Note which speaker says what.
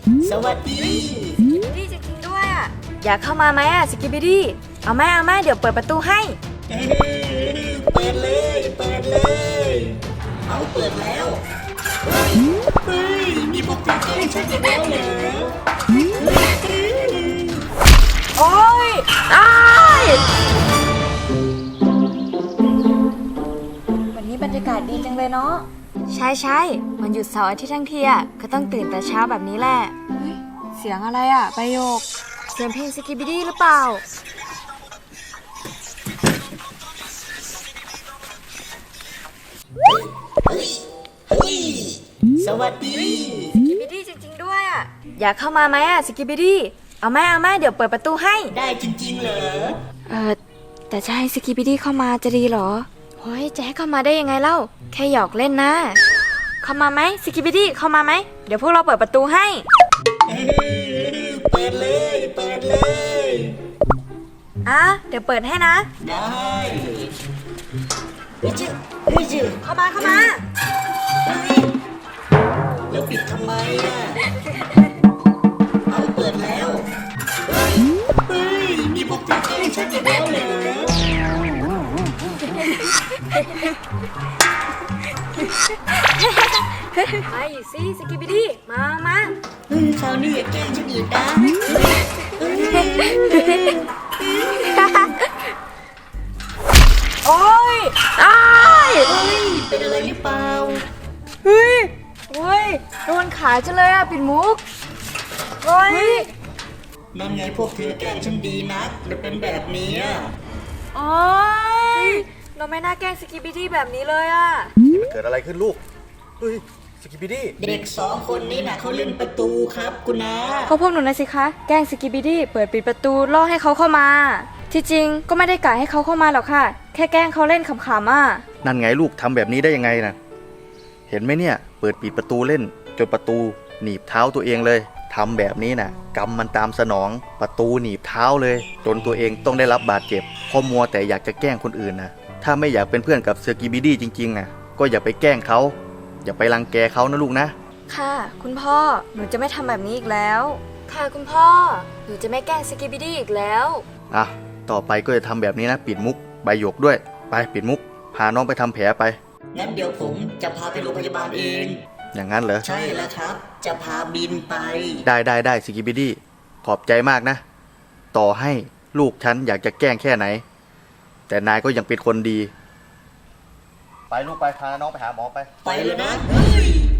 Speaker 1: สวัสดี
Speaker 2: สกิบิดี้จริงๆด้วยอ่ะอยากเข้ามาไหมอ่ะสกิบิดี้เอาไหมเดี๋ยวเปิดประตูให้
Speaker 1: เปิดเลยเอาเปิดแล้วเฮ้ยมีพวกเธอแกล้งฉันอีกแล้วเหรอ
Speaker 2: โอ้ยตายวันนี้บรรยากาศดีจังเลยเนาะใช่วันหยุดเสาร์อาทิตย์ทั้งทีอ่ะก็ต้องตื่นแต่เช้าแบบนี้แหละเฮ้ยเสียงอะไรอ่ะประโยคเสียงเพลงสกิบิดี้หรือเปล่า
Speaker 1: เฮ้ยสวัสดี
Speaker 2: สกิบิดี้จริงๆด้วยอ่ะอยากเข้ามาไหมอ่ะสกิบิดี้เอาไหมเดี๋ยวเปิดประตูให้
Speaker 1: ได้จริงๆเหรอ
Speaker 2: แต่จะให้สกิบิดี้เข้ามาจะดีเหรอเฮ้ยจะให้เข้ามาได้ยังไงเล่าแค่หยอกเล่นนะเข้ามาไหมสกิบิดี้เข้ามาไหมเดี๋ยวพวกเราเปิดประตูให้
Speaker 1: เปิดเลย
Speaker 2: เดี๋ยวเปิดให้นะ
Speaker 1: ได้เฮ้ย
Speaker 2: เข้ามา
Speaker 1: แล้วปิดทำไมอ่ะเอาเปิดแล้วเฮ้ยมีพวกเธอแกล้งฉันอีกแล้วเหรอ
Speaker 2: ไปสิสกิบิดี้มา
Speaker 1: คราวนี้อย่าแกล้งฉันอีกนะ
Speaker 2: โอ้ย
Speaker 1: เป็นอะไรหรือเปล่า
Speaker 2: เฮ้ยโดนขาจังเลยอ่ะปิดมุกเฮ้ย
Speaker 1: นั่นไงพวกเธอแกล้งฉันดีนักจะเป็นแบบนี้
Speaker 2: โอ้ยเราไม่น่าแกล้งสกิบิดี้แบบนี้เลยอ่ะ
Speaker 3: นี่มันเกิดอะไรขึ้นลูกเฮ้ยสกิปปี้ดี้
Speaker 1: เด็ก2 คนนี้นะเขาเล่นประตูครับคุณนา
Speaker 2: เขาพวกหนูนะสิคะแกล้งสกิบิดี้เปิดปิดประตูล่อให้เขาเข้ามาที่จริงก็ไม่ได้กะให้เขาเข้ามาหรอกค่ะแค่แกล้งเขาเล่นขำๆอ่ะ
Speaker 3: นั่นไงลูกทำแบบนี้ได้ยังไงนะเห็นไหมเนี่ยเปิดปิดประตูเล่นจนประตูหนีบเท้าตัวเองเลยทำแบบนี้นะกรรมมันตามสนองประตูหนีบเท้าเลยจนตัวเองต้องได้รับบาดเจ็บเพราะมัวแต่อยากจะแกล้งคนอื่นนะถ้าไม่อยากเป็นเพื่อนกับสกิปปี้ดี้จริงๆนะก็อย่าไปแกล้งเขาอย่าไปรังแกเขานะลูกนะ
Speaker 2: ค่ะคุณพ่อหนูจะไม่ทำแบบนี้อีกแล้วค่ะคุณพ่อหนูจะไม่แกล้งสกิบิดี้อีกแล้ว
Speaker 3: ต่อไปก็จะทำแบบนี้นะปิดมุกใบหยกด้วยไปปิดมุกพาน้องไปทำแผลไป
Speaker 1: งั้นเดี๋ยวผมจะพาไปโรงพยาบาลเอง
Speaker 3: อย่างนั้นเหรอ
Speaker 1: ใช่แล้วครับจะพาบินไป
Speaker 3: ได้สกิปปี้ดี้ขอบใจมากนะต่อให้ลูกฉันอยากจะแกล้งแค่ไหนแต่นายก็ยังเป็นคนดีไปลูกไปพาน้องไปหาหมอไป
Speaker 1: เลยนะ